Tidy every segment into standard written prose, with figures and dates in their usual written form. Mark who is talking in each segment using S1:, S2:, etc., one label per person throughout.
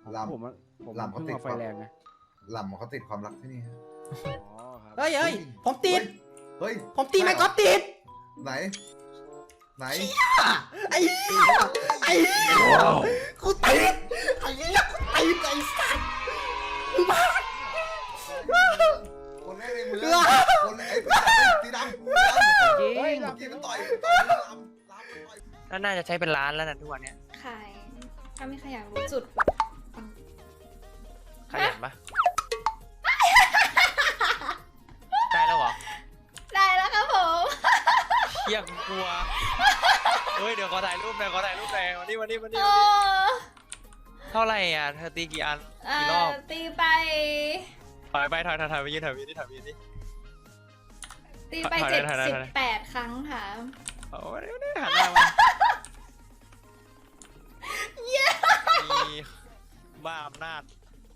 S1: ลำ
S2: ผม
S1: ลำเขาติด
S2: ไฟแรงไง
S1: ลำเขาติดความรักที่นี่ฮะ
S2: อ๋อครับ
S3: เฮ้ยผมติด
S1: เฮ้ย
S3: ผมตีไม่ก็ติด
S1: ไหน
S3: ไอ้เหี้ยไอ้เหี้ยกูติดไอ้เหี้ยกูติดไอ้สัตว์มึงบ้า
S1: คนแรกในมือคนไอ้สีดำ
S2: จริง
S1: เมื่อกี้มันต่อยลำต่อย
S4: แล้วน่าจะใช้เป็นร้านแล้วนะทุกวันเนี้ย
S5: ขายถ้าไม่ขยันรู้จุดแบบ
S4: ขยันปะได้แล้วเหรอ
S5: ได้แล้วครับผม
S4: เชี่ยกูกลัวเฮ้ยเดี๋ยวขอถ่ายรูปหน่อยวันนี้
S5: โอ้
S4: เท่าไหร่อ่ะเธอตีกี่อันกี่รอบ
S5: ตีไป
S4: ถอยไปยืนนี่
S5: ตีไป
S4: ถอย
S5: 78 ครั้งค่ะ
S4: โอ้ยเดี๋ยวหันหน้ามามีบ้าอำนาจ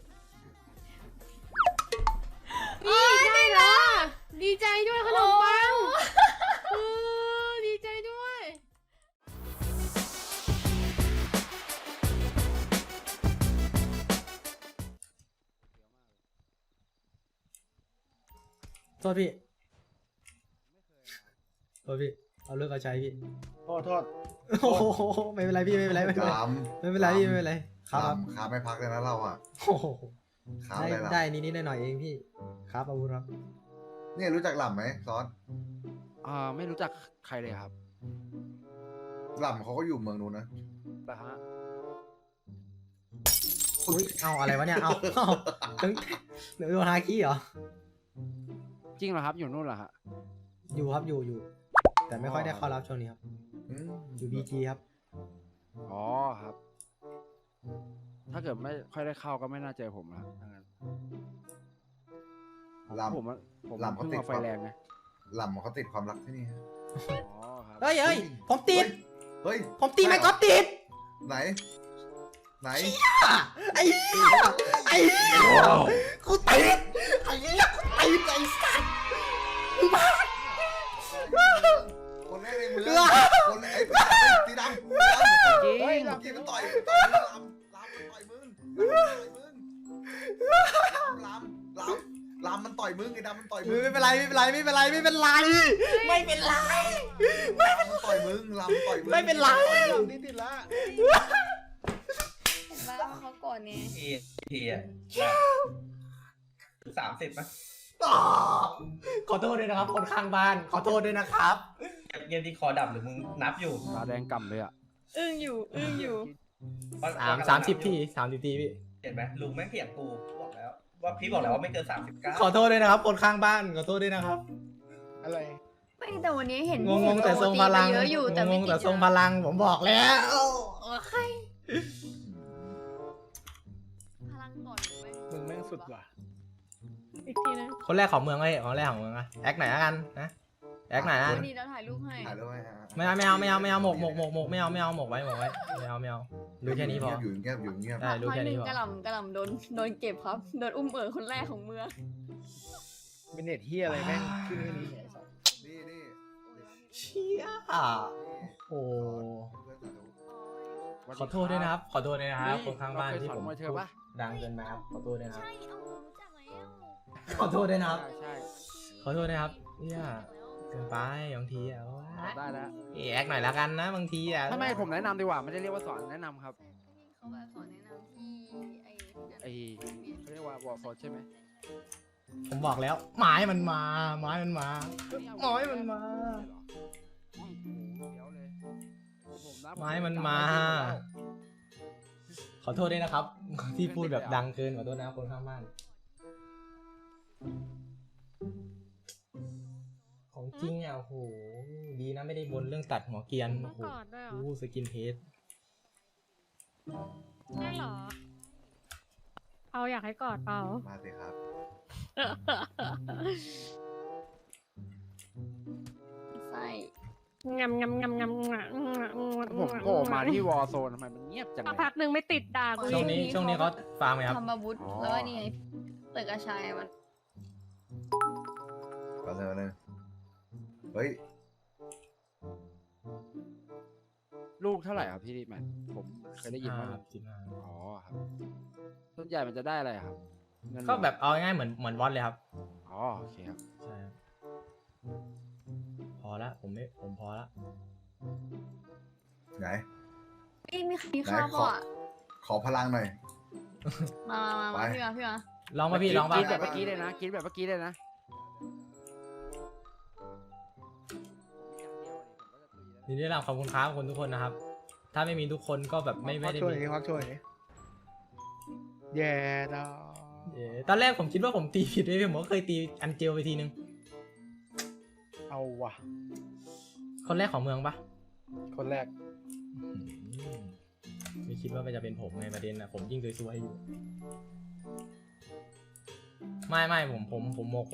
S6: นี่ได้แล้วดีใจด้วยขนมปังดีใจด้วย
S3: โทษพี่เอาเลิกเอาใช้พี่
S2: โทษ
S3: โอ้โหไม่เป็นไรพี่ไม่เป็นไรไม่เป็นไร
S1: ลำ
S3: ไม่เป็นไรพี่ไม่เป็นไรครับ
S1: ลำขาไม่พักเลยนะเราอ่ะ
S3: โอ้โห
S1: ขา
S3: ได้
S1: เลยล่ะ
S3: ได้นิดหน่อยเองพี่ครับอาวุธครับ
S1: เนี่ยรู้จักลำไหมซอน
S2: ไม่รู้จักใครเลยครับ
S1: ลำเขาก็อยู่เมืองนู้นนะ
S2: แต่ฮะ
S3: อุ้ยเอาอะไรวะเนี่ยเอาถึงเดี๋ยวโดนฮาคิเหรอ
S2: จริงเหรอครับอยู่นู่นเหรอฮะ
S3: อยู่ครับอยู่แต่ไม่ค่อยได้เข้ารับช่วงนี้ครับ
S1: อืม
S3: อยู่บีจีครับ
S2: อ๋อครับ ถ้าเกิดไม่ค่อยได้เข้าก็ไม่น่าเจอผมนะครับถ้างั้น
S1: ลำ
S2: ผม
S1: ลำเขา
S2: เพิ่ง
S1: ติด
S2: มาไฟแรงไง
S1: ลำเขาติดความรักที่นี่ฮะ
S2: อ๋อครับ
S3: เฮ้ยผมติด
S1: เฮ้ย
S3: ผมตีไม่ก็ติด
S1: ไหน
S3: ไอ้เหี้ยไอ้เหี้ยกูติดไอ้เหี้ยกูติดไอ้สัตว์มึงบ้า
S1: คนแรกในมือคนไอ้สีดำ
S2: จริง
S1: เมื่อกี้มันต่อยลำต่อยมึงลำมันต่อยมึงไอ้ดำมันต่อยมึง
S3: ไม่เป็นไรมันต่อยมึง
S1: ลำต่อยมึง
S3: ไม่เป็นไร
S2: นี่ติดละ
S5: เห็นไหมว่าเขาโกรธเนี่ย
S7: ทีอ่ะ30มั้ย
S3: ขอโทษด้วยนะครับคนข้างบ้านขอโทษด้วยนะครับ
S7: เกมที่คอดับหรือมึงนับอยู่
S2: ตาแดงก่ำเลยอ่ะ
S5: อึ้งอยู่
S3: 30 ทีพี่
S7: เห็นไหมลุงแม่งเถียงกูบอกแล้วว่าพี่บอกแล้วว่าไม่เกิน39
S3: ขอโทษด้วยนะครับคนข้างบ้านขอโทษด้วยนะครับ
S2: อะไร
S5: ไม่แต่วันนี้เห็น
S3: งงแต่ทรงพลัง
S5: เยอะอยู่แต่ไม่
S3: งง
S5: กี่
S3: แต่ทรงพลังผมบอกแล้ว
S5: ใครพลังก่อนไหม
S2: มึงแม่งสุดว่ะ
S6: อีกทีนะ
S3: คนแรกของเมืองเลยคนแรกของเมืองอะแอคไหนละกันนะแอคไหนละ
S5: วันนี้เราถ่ายรูปให้
S1: ถ่ายด้วย
S3: ไม่เอาหมกไม่เอาหมกไว้ไม่เอารู้แค่นี้พอ
S1: อยู่เงียบ
S3: ได้รู้แค่นี้พอ
S5: กระหล่ำโดนเก็บครับโดนอุ้มคนแรกของเมือง
S2: เป็นเน็ตเฮียอะไรแม่งขึ้นแค่นี้
S1: นี่
S3: เชี่ยโอ้ขอโทษด้วยนะครับคนข้างบ้านที่ผม
S2: เธอปะ
S3: ดังเกินไปครับขอโทษด้วยนะครับ
S5: ใช่เอารู้จักแล้ว
S3: ขอโทษด้วยนะครับ
S2: ใช่
S3: ขอโทษนะครับเนี่ยเกินไปบางทีอะ
S2: ได้แล้ว
S3: แอคหน่อยละกันนะบางทีอะ
S2: ทำไมผมแนะนำดีกว่าไม่ได้เรียกว่าสอนแนะนำครับ
S5: เขาแบบสอนแนะนำที่ไอ้
S2: ไอ้เขาเรียกว่าวอลโซนใช่ไหม
S3: ผมบอกแล้วไม้มันมา
S2: โอ้ยมันมา
S3: ขอโทษด้วยนะครับ ที่พูดแบบดังเกินขอโทษนะคนข้างบ้านของจริงอ่ะโอ้โหดีนะไม่ได้บนเรื่องตัดหัวเกรียน
S6: ต้อ
S3: โอ้
S6: ง
S3: โห
S6: กอดด้วยเหรอ
S3: อู้สกินเฮด
S6: ได้เหรอ เอาอยากให้กอดเปล่า
S1: มาสิครับ
S5: ไส้
S6: งำ
S2: ผมโผล่มาที่วอลโซนทำไมมันเงียบจัง
S6: สัก
S2: เลย
S6: พักหนึ่งไม่ติดด่ากู
S3: ช่วง
S6: อีก
S3: นี้เขาฟาร์มไหมครับ
S5: ทำอาวุธแล้วก็นี่ไงตึกอาชัยมัน
S1: ก็เลยเฮ้ย
S2: ลูกเท่าไหร่ครับพี่แมนผมเคยได้ยินว่า
S3: 15
S2: อ๋อครับวนใหญ่มันจะได้อะไรอะครับเงิน
S3: ก็แบบเอาง่ายๆเหมือนวอตเลยครับ
S2: อ๋อโอเคครับ
S3: ใช่ครับพอละผมพอละ
S1: ไหน
S5: มีใครมีข้าว
S1: ไหน
S5: เปล่าอ่ะ
S1: ขอพลังหน่อย
S5: มา
S1: ไป
S5: พี่มา
S3: ลองมาพี่ลองมา
S2: กินแบบเมื่อกี้เลยนะกินแบบเมื่อกี้เลยนะ
S3: ทีนี้เราขอบคุณครับคนทุกคนนะครับ ถ้าไม่มีทุกคนก็แบบไม่ได้มี
S8: ควักช่วยแย่ดอ
S3: ตอนแรกผมคิดว่าผมตีผิดเลยผมก็เคยตีอันเจลไปทีนึง
S8: เอาว่ะ
S3: คนแรกของเมืองปะ
S8: คนแรก
S3: ไม่คิดว่ามันจะเป็นผมไงประเด็นอะผมยิ่งซวยๆอยู่ ไม่ผมหมก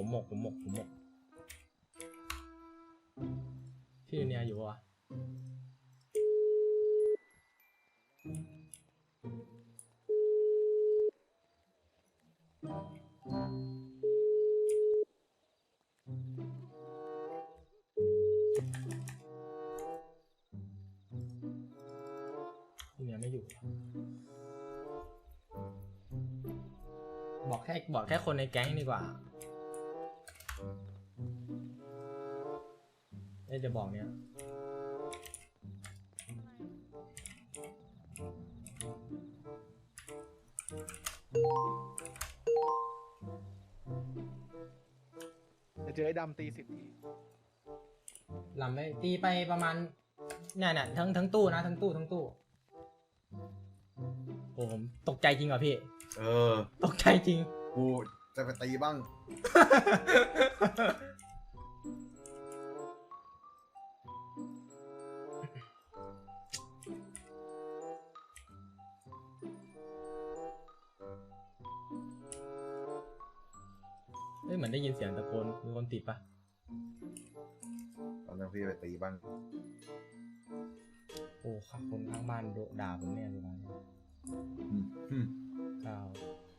S3: พี่เนี่ยอยู่ปะวะพี่เนี่ยไม่อยู่ บอกแค่คนในแก๊งดีกว่าจะบอกเนี้ย
S8: จะเจอไอ้ดำตี10 ที
S3: ลำไปตีไปประมาณเนี่ยทั้งตู้นะทั้งตู้โอ้ผมตกใจจริงเหรอพี่ ตกใจจริง
S1: กูจะไปตีบ้าง
S3: เหมือนได้ยินเสียงตะโกนมีคนติดปะ
S1: ตอนนั้นพี่ไปตีบ้าง
S3: โอ้ครับคนข้างบ้านด่าผมแน่เลยนะ ก้าว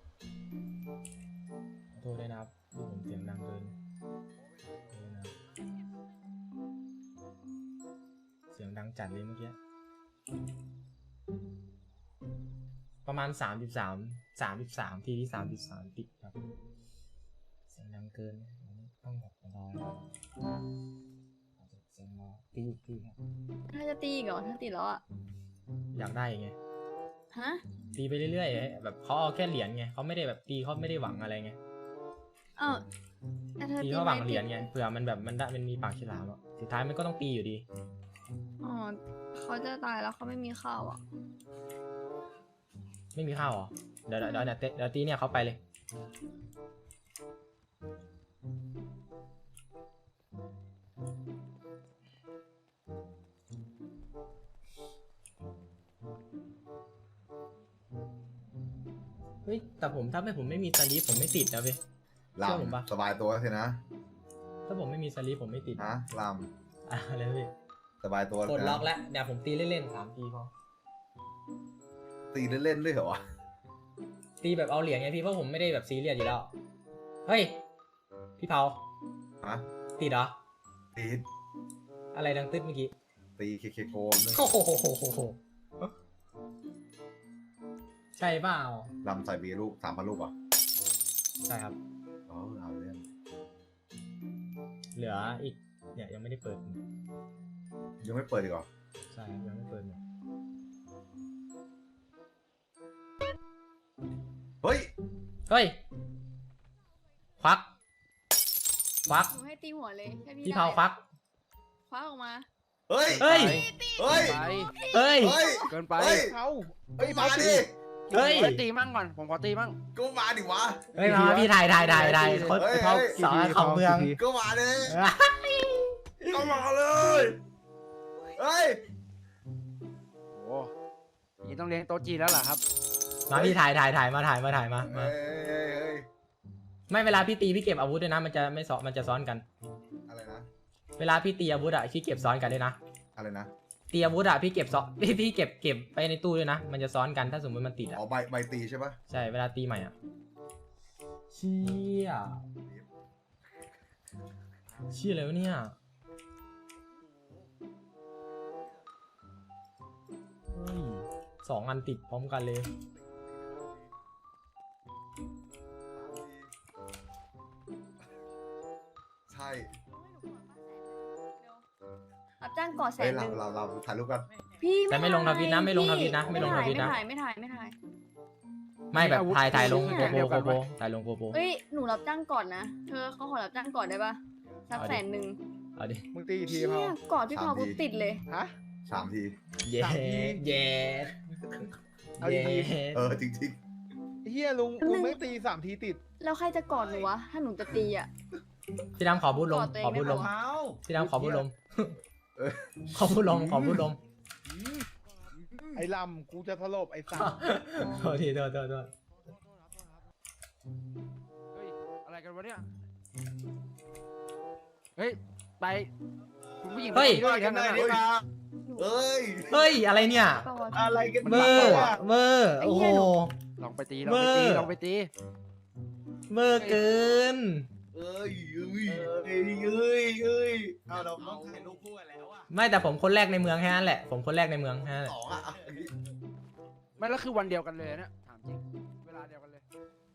S3: ขอโทษด้วยนะครับที่ผมเสียงดังเกินนะครับเสียงดังจัดเลยเมื่อกี้ประมาณ33ทีที่33ติดครับเสียงดังเกินต้องแบบรอเสียงรอตีครับ
S5: ถ้าจะตีอีกเหรอถ้าตีแล้วอ่ะ
S3: อยากได้ไง
S5: ฮะ
S3: ตีไปเรื่อยๆแบบเขาเอาแค่เหรียญไงเขาไม่ได้แบบตีเขาไม่ได้หวังอะไรไง
S5: อ้าวแต่เธอ
S3: ตี
S5: ตี
S3: เขาหวัง
S5: ไม่
S3: เหรียญไงเผื่อมันแบบมันมีปากฉลามอ่ะสุดท้ายมันก็ต้องตีอยู่ดี
S5: อ๋อเขาจะตายแล้วเขาไม่มีข้าวอ่ะ
S3: ไม่มีข้าวเหรอเดี๋ยวตีเนี่ยเขาไปเลยเฮ้ยแต่ถ้าผมไม่มีสลีปผมไม่ติดนะเว้ย
S1: ล
S3: เชื่อผมปะ
S1: ำสบายตัวสินะ
S3: ถ้าผมไม่มีสลีปผมไม่ติด
S1: ฮะล
S3: อะไรเว้ย
S1: ำสบายตัว
S3: กด
S1: นะ
S3: ล็อกแล้วเดี๋ยวผมตีเล่นๆ3 ทีพอ
S1: ตีเล่นๆด้วยเหรอวะ
S3: ตีแบบเอาเหรียญไงพี่เพราะผมไม่ได้แบบซีเรียสอยู่แล้วเฮ้ยพี่เผา
S1: ฮะ
S3: ติดเหรอ
S1: ตี
S3: อะไรดังตึ๊ดเมื่อกี้
S1: ตีเคโกมด้วย
S3: โอ้โหใช่เปล่า
S1: ลำใส่เบียร์ลูก3,000 ลูกอ่ะ
S3: ใช่ครับ
S1: อ๋อเอาเรื่อง
S3: เหลืออีกเนี่ยยังไม่ได้เปิด
S1: ยังไม่เปิดอีกเหรอ
S3: ใช่ยังไม่เปิดหมด
S1: เฮ้ย
S3: เฮ้ยควัก
S5: หนูให้ตีหัวเลยแค่พี่
S3: พี่
S5: ได้
S3: เผาควัก
S5: คว้าออกมา
S1: เฮ้ย
S3: เฮ้ย
S1: เฮ้ย
S2: ไป
S3: เฮ้ย
S1: เฮ้ย
S2: เกินไป
S1: เฮ้ย
S8: เอา
S1: เฮ้ยมาดิ
S3: เฮ้ย
S2: ผมขอตีมั่งก่อนผมขอตีมั่ง
S1: ก็มาดิวะ
S3: เฮ้ยมาพี่ถ่ายคน
S1: เฮ้ย
S3: เขาสอนของเมือง
S1: ก็มาดิก็มาเลยเฮ้ย
S2: โอ้ยต้องเลี้ยงโต๊ะจีนแล้วเหรอครับ
S3: มาพี่ถ่ายมา
S1: เฮ้ย
S3: ไม่เวลาพี่ตีพี่เก็บอาวุธด้วยนะมันจะไม่ซ้อนมันจะซ้อนกัน
S1: อะไรนะ
S3: เวลาพี่ตีอาวุธอะพี่เก็บซ้อนกันด้วยนะ
S1: อะไรนะ
S3: ตีอาวุธอะพี่เก็บซ้อนพี่เก็บไปในตู้ด้วยนะมันจะซ้อนกันถ้าสมมติมันติดอะ
S1: อ๋อใบตีใช่ปะ
S3: ใช่เวลาตีใหม่อะเชี่ยอะไรวะเนี่ยเฮ้ย2 อันติดพร้อมกันเลย
S5: รับจ้างก่อแส
S1: เฮ้ย
S5: นห
S1: เรา
S5: นึ่ง
S1: เราถ่ายรูปกัน
S5: พี่
S3: แต่ไม่ลงทวิตนะไม่ลงทวิตนะ
S5: พี่
S3: ไม่ลงทวิตนะ
S5: ไม่ถ่าย
S3: ไม่แบบถ่ายลง
S5: เนี่ย
S3: โกโบถ่ายลงโกโบ
S5: เอ้ยหนูรับจ้างก่อนนะเธอเขาขอรับจ้างก่อนได้ปะสัก
S3: เอาดิ
S5: แสนหนึ่ง
S3: เอาดิ
S8: มึงตีกี่ที
S5: เชี่
S8: เขา
S5: ยก่อนพี่พาวกูติดเลย
S8: ฮะ
S1: 3 ที
S3: เย้เย้
S8: เอาดี
S1: จริง
S8: ไอ้เฮียลุงไม่ตี3 ทีติด
S5: แล้วใครจะกอดหนูวะถ้าหนูจะตีอ่ะ
S3: พี่ดำขอบูทลม
S5: กอดตัวเอง
S3: ขอบูทลม
S5: ได้ปะ
S3: พี่ดำขอบูทลม
S1: เออ
S3: ขอบูทลมขอบูทลม
S8: ไอ้ลำกูจะสลบไอ้สัตว์
S3: โทษทีโทษ
S2: เฮ้ยอะไรกันวะเนี่ยเฮ้ยไปคุณผู้หญิง
S3: เฮ้ย
S2: ไปด้วยกันนะ
S1: ๆเฮ้ย
S3: เฮ้ยอะไรเนี่ย
S5: ปะวะ
S1: อะไรกัน
S3: เบอร์เบอร์
S5: ไอ้
S3: โอ้
S5: เหี้
S3: โห
S5: ยหนู
S2: ลองไปตี
S3: เบอร์
S2: ลองไปตี
S3: เบอร์เกิน
S1: เอ้ยเอาเราต้องถ่ายรูปคู่กันแล้วอ่ะ
S3: ไม่แต่ผมคนแรกในเมืองแค่นั้นแหละผมคนแรกในเมืองแค่นั้นแหละ
S1: 2อ่ะ
S2: ไม่แล้วคือวันเดียวกันเลยเนี่ยถามจริงเวลาเดียวกันเลย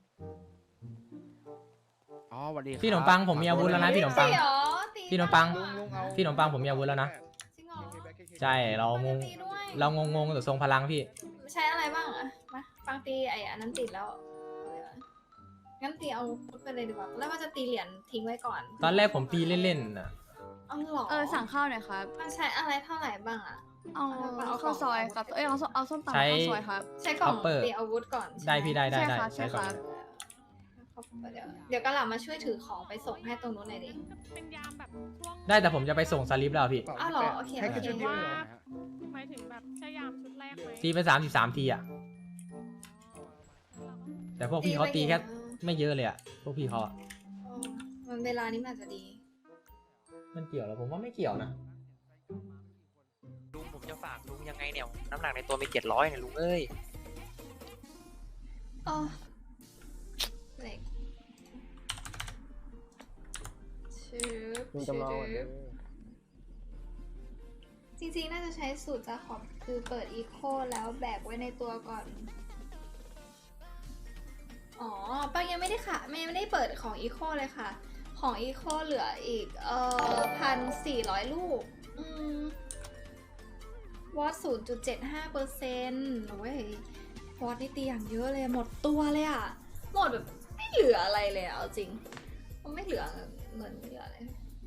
S2: อ๋อวันดีครับ
S3: พี่ขนมปังผมมีอาวุธแล้วนะพี่ขนมปัง
S9: ตีเหรอตี
S3: พี่ขนมปัง
S8: ลุงเอา
S3: พี่ขนมปังผมมีอาวุธแล้วนะ
S9: จริงเหรอ
S3: ใช่เรางง
S9: ตีด้วย
S3: เรางงแต่ทรงพลังพี่
S9: ใช้อะไรบ้างอะมาปังตีไอ้อันนั้นติดแล้วเอาเลยวะงั้นตีเอาพุทไปเลยดีกว่าแล้วว่าจะตีเหรียญทิ้งไว้ก่อน
S3: ตอนแรกผมตีเล่นๆนะ
S9: เอาหรอ
S5: สั่งข้าวหน่อยครับ
S9: มันใช้อะไรเท่าไหร่บ้างอะ
S5: เอาข้าวซอยครับเอาส้มตำ
S3: ใช้
S5: ข้าวซอยครับ
S9: ใช้กล่อง
S3: Copper
S9: ตีอาวุธก่อน
S3: ได้พี่ได้
S5: ใช่ครับ
S3: ใช่ก่อน
S9: เดี๋ยวกระหล่ำมาช่วยถือของไปส่งให้ตรงนู้นหน่อยดิ
S6: เป็นยามแบบช่วง
S3: ได้แต่ผมจะไปส่งสลิปแล้วพี่
S9: อ้าวเหรอโอเค
S8: ให้กระชุดเดียว
S6: ว่า
S8: เหรอ
S6: หมายถึงแบบใช้ยามชุดแรกไหม
S3: ตีไป33 ทีอ่ะแต่พวกพี่เขาตีแค่ไม่เยอะเลยอ่ะพวกพี่เขาอะ
S9: อ๋อมันเวลานี้มันอาจจะดี
S3: มันเกี่ยวเหรอผมว่าไม่เกี่ยวนะ
S4: ลุงผมจะฝากลุงยังไงเนี่ยน้ำหนักในตัวมี700เนี่ยลุงเอ้ย
S9: อ๋อเหล็กจริงๆ น่าจะใช้สูตรจาขอบคือเปิดอีโคแล้วแบกไว้ในตัวก่อน อ๋อปังยังไม่ได้ค่ะไม่ได้เปิดของอีโคเลยค่ะ ของอีโคเหลืออีก1,400 ลูก วอต0.75%โอ้ยวอตนี่ตีอย่างเยอะเลยหมดตัวเลยอะหมดแบบไม่เหลืออะไรเลยอะเอาจริงมันไม่เหลือเงินไม่เหลืออะไร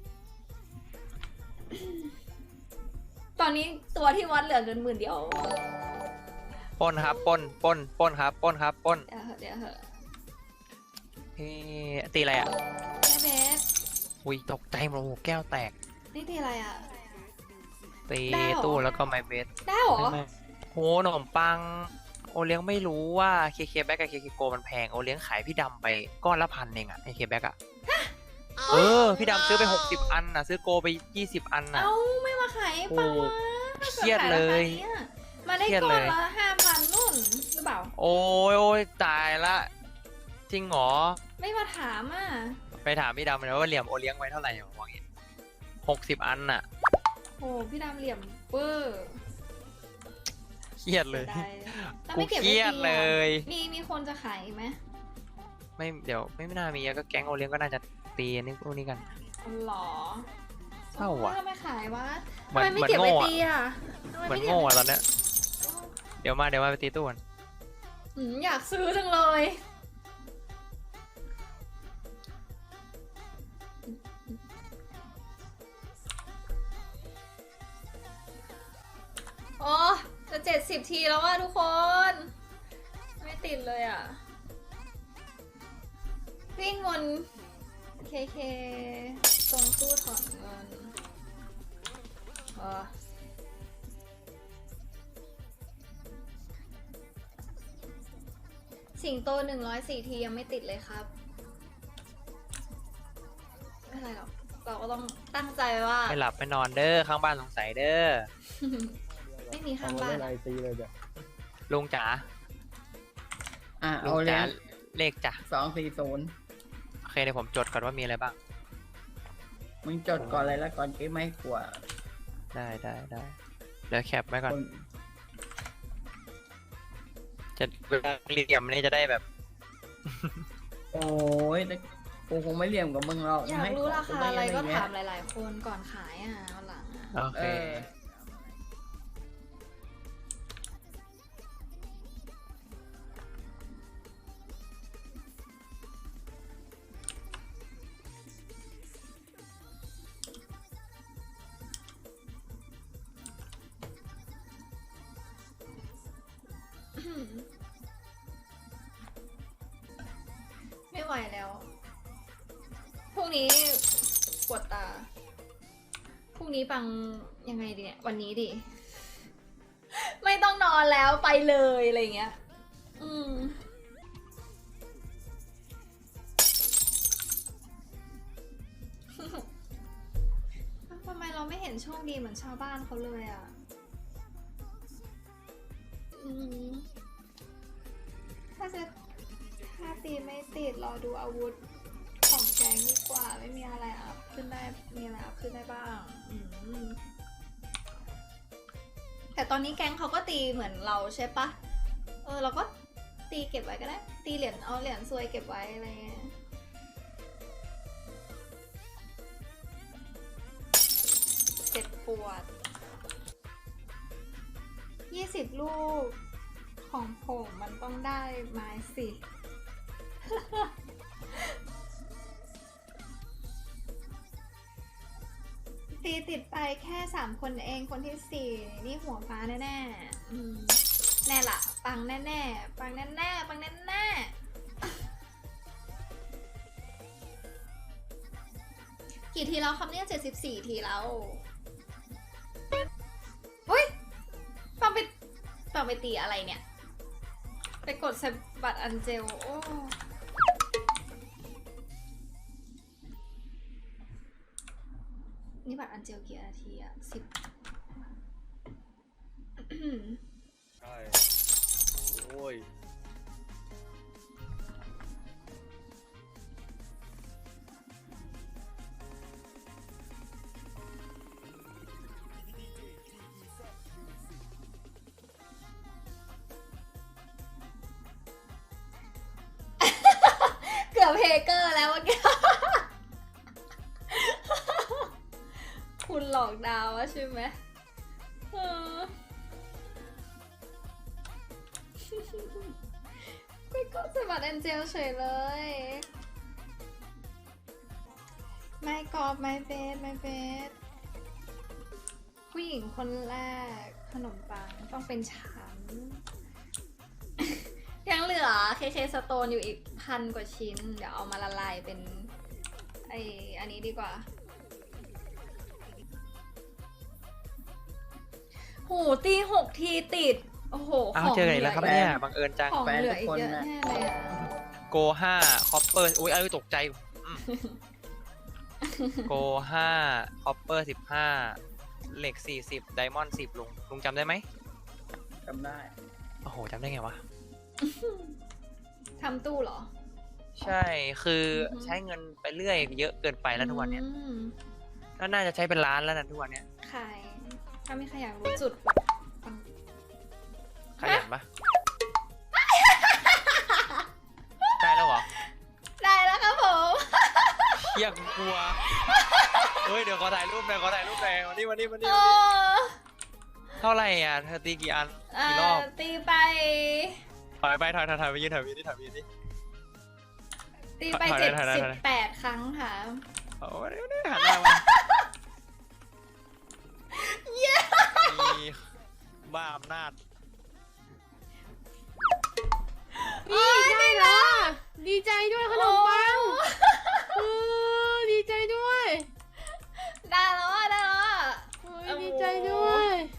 S9: ตอนนี้ตัวที่วัดเหลือเงิน10,000 เดียว
S4: ปล้นครับปล้นครับปล้นครับปล้น
S9: เดี๋ยวเหอะ
S4: เฮ้ตีอะไรอ่ะ
S9: แม่เบส
S4: อุ้ยตกใจหมดโอ้โหแก้วแตก
S9: นี่ตีอะไรอะ
S4: ตี
S9: ได้เหรอ
S4: ตู้แล้วก็ไมเบส
S9: ได้เหรอ
S4: โหขนมปังโอเลี้ยงไม่รู้ว่าเคเคแบ็กกับเคเคโกมันแพงโอเลี้ยงขายพี่ดำไปก้อนละ1,000เองอะเคเคแบ็กอะพี่ดำซื้อไป60 อันนะซื้อโกไป20 อันนะ
S9: เอ้าไม่มาขายให้ปังวะ
S4: เครียดเลย
S9: มาได้
S4: เครียด
S9: ก้อ
S4: เล
S9: น
S4: ย
S9: ละ5,000นู่นหรือเปล่า
S4: โอ้ยตายละจริงเหรอ
S9: ไม่มาถามอ่ะ
S4: ไปถามพี่ดำเลยว่าเหลี่ยมโอเลี้ยงไว้เท่าไหร่บอกอย่างงี้60 อันน่ะ
S9: โอ้พี่ดำเหลี่ยมเปอร์
S4: เครียดเลย
S9: ได้แล้ว
S4: กู
S9: ไม่เก็บ
S4: เครียดเลย
S9: มีคนจะขายอีกไหม
S4: ไม่เดี๋ยวไม่น่ามีอะก็แก๊งโอเลี้ยงก็น่าจะตีอันนี้พวกนี้กัน
S9: อ๋อเหรอ
S4: เศร้าว่ะ
S9: ทำไมขายวะ
S4: เหมื
S9: ทำ
S4: อน
S9: ไมไม่เก็บไว้
S4: เหมือนโง่อะ
S9: ตีอ่ะทำไม
S4: เหมือน
S9: ไก็บ
S4: โง่
S9: ไว้
S4: อะตอนเนี้ยเดี๋ยวมาไปตีตู้กัน
S9: อยากซื้อจังเลยโอ้จะ70 ทีแล้วว่ะทุกคน ไม่ติดเลยอ่ะ วิ่งวนเคตรงตู้ถอนเงินสิงโต104 ทียังไม่ติดเลยครับ ไม่เป็นไรหรอก เราก็ต้องตั้งใจว่า
S4: ไม่หลับไม่นอนเด้อข้างบ้านสงสัยเด้อ
S9: ไม่มีข้างบ้าน
S8: ไอตีเลยจ้ะ
S4: ลุงจ๋า
S10: เอา
S4: ลุง
S10: เล
S4: จ๋าย เลขจ้ะ
S10: 240
S4: โอเคเดี๋ยวผมจดก่อนว่ามีอะไรบ้าง
S10: มึงจดก่อนเลยแล้วก่อนเก็บไม่กลัว
S4: ได้เดี๋ยวแคปไว้ก่อน
S10: คน
S4: จะเวลาเหลี่ยมนี่จะได้แบบ
S10: โอ้ยแล้วกูคงไม่เหลี่ยมกับมึงหรอก
S9: อยากรู้ราคาอะไรก็ถาม
S10: เลย
S9: หลายๆ คนก่อนขายอ่ะวันหลังอ่ะ
S4: โอเค
S9: ไม่ไหวแล้ว พรุ่งนี้ปวดตา พรุ่งนี้ปังยังไงดีเนี่ย วันนี้ดิ ไม่ต้องนอนแล้วไปเลยอะไรเงี้ย ทำไมเราไม่เห็นโชคดีเหมือนชาวบ้านเขาเลยอ่ะ ถ้าตีไม่ติดรอดูอาวุธของแกงดีกว่าไม่มีอะไรอัพขึ้นได้มีอะไรอัพขึ้นได้บ้างแต่ตอนนี้แกงเขาก็ตีเหมือนเราใช่ปะเราก็ตีเก็บไว้ก็ได้ตีเหรียญเอาเหรียญซวยเก็บไว้อะไรเงี้ยเจ็บปวด20 ลูกของผมมันต้องได้ไม้สิ ตีติดไปแค่3 คนเองคนที่4นี่หัวฟ้าแน่ๆแน่ละปังแน่ๆปังแน่ๆปังแน่ๆกี่ทีแล้วครับเนี่ย74 ทีแล้วเฮ้ยปังไปตีอะไรเนี่ย ไปกดเซฟบัตรอันเจลโอ้นี่บัตรอันเจลกี่นาทีอะ10
S2: ใช่โอ้ย
S9: เกือบเฮเกอร์แล้วเมื่อกี้ คุณหลอกดาวใช่ไหมไปกดสมัครแอนเจลเฉยเลย ไม่กอบไม่เบสผู้หญิงคนแรกขนมปังต้องเป็นฉัน ยังเหลือ KK Stone อยู่อีก1,000 กว่าชิ้น เดี๋ยวเอามาละลายเป็นอันนี้ดีกว่าโหตี6 ทีติด โอ้โห
S4: อ้าวเจอกันอีกแล้วครับเนี่ยบังเอิญจัง
S9: ของเหลืออีกเยอะแน่เลยอะ
S4: โก5คอปเปอร์อุ้ยตกใจโก5คอปเปอร์15เหล็ก40ไดมอนด์10ลุงจำได้ไหม
S10: จำได้
S4: โอ้โหจำได้ไงวะ
S9: ทำตู้เหรอ
S4: ใช่คือใช้เงินไปเรื่อยเยอะเกินไปแล้วทุกวันเนี้ยก็น่าจะใช้เป็นล้านแล้วนะทุกวันเนี้ย
S9: ขายถ้าไม่ขยันรู้จุด
S4: ขยันปะ ได้แล้วเหรอ
S9: ได้แล้วครับผม
S4: เชี่ยกูกลัวเฮ้ยเดี๋ยวขอถ่ายรูปหน่อยวันนี้เท่าไหร่อ่ะเธอตีกี่อันกี่รอบ
S9: ตีไป
S4: ถอยไปยืนนี่
S9: ตีไป
S4: ถอย
S9: 78 ครั้งค่ะ
S4: โอ้ยหันหน้ามามีบ้าอำนาจ
S6: นี่ได้แล้วอะดีใจด้วยขนมปังดีใจด้วย
S9: ได้แล้วอ่ะ
S6: โอ้ยดีใจด้วย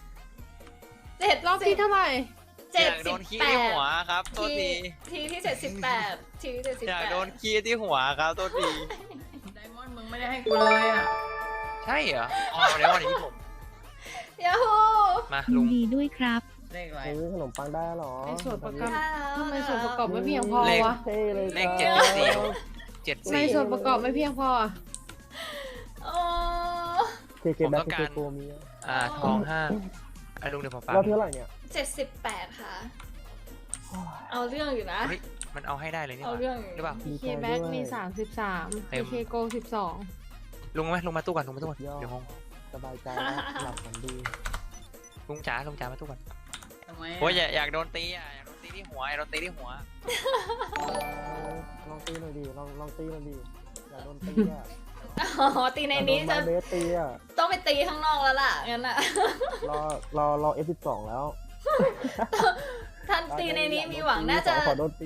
S9: 7
S6: รอบที่เท่าไหร่
S4: อยากโดนขี้ที่หัวครับโทษที
S9: ทีที่78ทีที่78
S4: อยากโดนขี้ที่หัวครับโทษที
S10: ไดมอนด์มึงไม่ได้ให้กูเลยอ่ะ
S4: ใช่เหรออ๋อเดี๋ยววันนี้ผม
S9: ยาฮู
S4: มาลุง
S11: ดีด้วยครับ
S10: เลขอะไร
S8: ขนมปังได้หรอ
S6: ในส่วนประกอบ
S9: ได้แล้ว
S6: ทำไมส่วนประกอบไม่เพียงพอ
S4: เลข
S6: วะ
S4: เลข74
S6: ในส่วนประกอบไม่เพียงพออะ
S9: โอ้
S4: ผมต้องการทอง5ลุงเดี๋ยวผมฟัง
S8: เราเท่าไหร่เนี่ย
S9: 78 ค่ะ เอาเรื่องอยู่นะ
S4: เฮ้ยมันเอาให้ได้เลยนี่ห
S9: เอา
S4: ว่า
S9: เรื่อง
S4: หรือเปล่า
S6: เคแบ็กมี33
S4: เต็ม
S6: เคโก12
S4: ลุงไหมลุงมาตู้ก่อนลุงมาตู้ก่อนเดี๋ยวงง
S8: สบายใจแล้วหลับฝันดี
S4: ลุงจ๋ามาตู้ก่อน
S10: ทำไม
S4: โอ้ยอยากโดนตีอ่ะอยากโดนตีที่หัวอยากโดนตีที่หัว
S8: ลองตีหน่อยดิลองตีหน่อยดิอย่าโดนตีอ่ะ
S9: อ๋อตีในนี้จะ
S8: โดนไม้เบสตีอ่ะ
S9: ต้องไปตีข้างนอกแล้วล่ะงั้นอ่ะ
S8: รอ F12 แล้ว
S9: ท่านตีในนี้มีหวังน่าจะ
S8: ขอโดนตี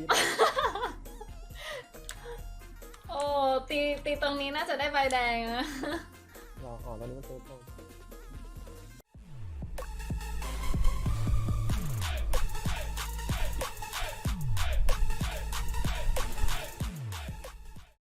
S9: โอ้ตีตรงนี้น่าจะได้ใบแดงนะ
S8: รอตอนนี้มันเซฟลง